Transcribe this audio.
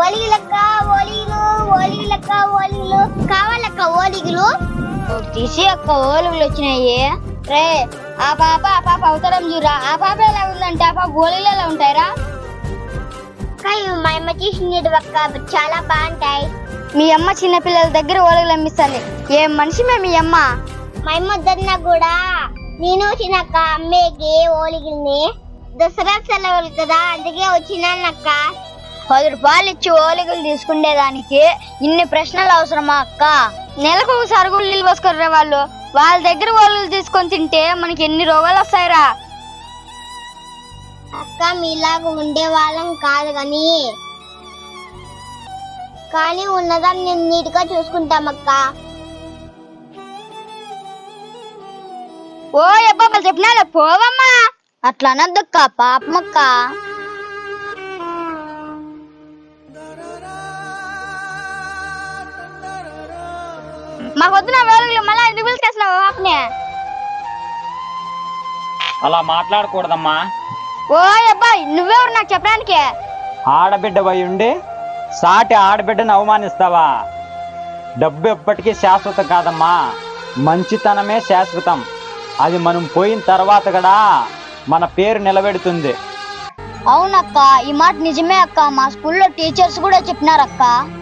ఓలిగిలక్క ఓలిగిలు ఓలిగిలక్క ఓలిగిలు కావాలక్క ఓలిగిలు తీసి అక్క ఓలిగులు వచ్చినాయి రే ఆ పాప అవతరం చూరా ఆ పాప ఎలా ఉందంటే ఆ పాప ఓలిగులు ఎలా ఉంటాయిరా మా అమ్మ చేసినవి అక్క చాలా బాగుంటాయి మీ అమ్మ చిన్న పిల్లల దగ్గర ఓలిగులు అమ్మిస్తుంది ఏం మనిషి మీ అమ్మ మా అమ్మ వద్దన్నా కూడా నేను వచ్చినక్క అమ్మేకి ఓలిగిల్ని దసరా సెలవులు కదా అందుకే వచ్చినానక్క 10 రూపాయలు ఇచ్చి ఓలిగులు తీసుకునేదానికి ఇన్ని ప్రశ్నలు అవసరమా అక్క నెలకు ఒకసారి కూడా నీళ్ళు పోసుకుర్రా వాళ్ళ దగ్గర ఓలిగులు తీసుకొని తింటే మనకి ఎన్ని రోగాలు వస్తాయిరా అక్క మీలాగా ఉండే వాళ్ళం కాదు కానీ ఉన్నదాన్ని నేను నీట్గా చూసుకుంటామక్క ఓ అబ్బా చెప్పినా పోవమ్మా అట్లా అనద్దక్క పాపమక్క మాకొద్దున వేలుగులు మళ్ళీ ఎందుకు పిలిచేసినావు పాపనే అలా మాట్లాడకూడదమ్మా. ఓ అబ్బాయి నువ్వెవరు నాకు చెప్పడానికి ఆడబిడ్డ పోయి ఉండి సాటి ఆడబిడ్డను అవమానిస్తావా? డబ్బు ఎప్పటికీ శాశ్వతం కాదమ్మా, మంచితనమే శాశ్వతం. అది మనం పోయిన తర్వాత కూడా మన పేరు నిలబెడుతుంది. అవునక్క ఈ మాట నిజమే అక్క మా స్కూల్లో టీచర్స్ కూడా చెప్పినారక్క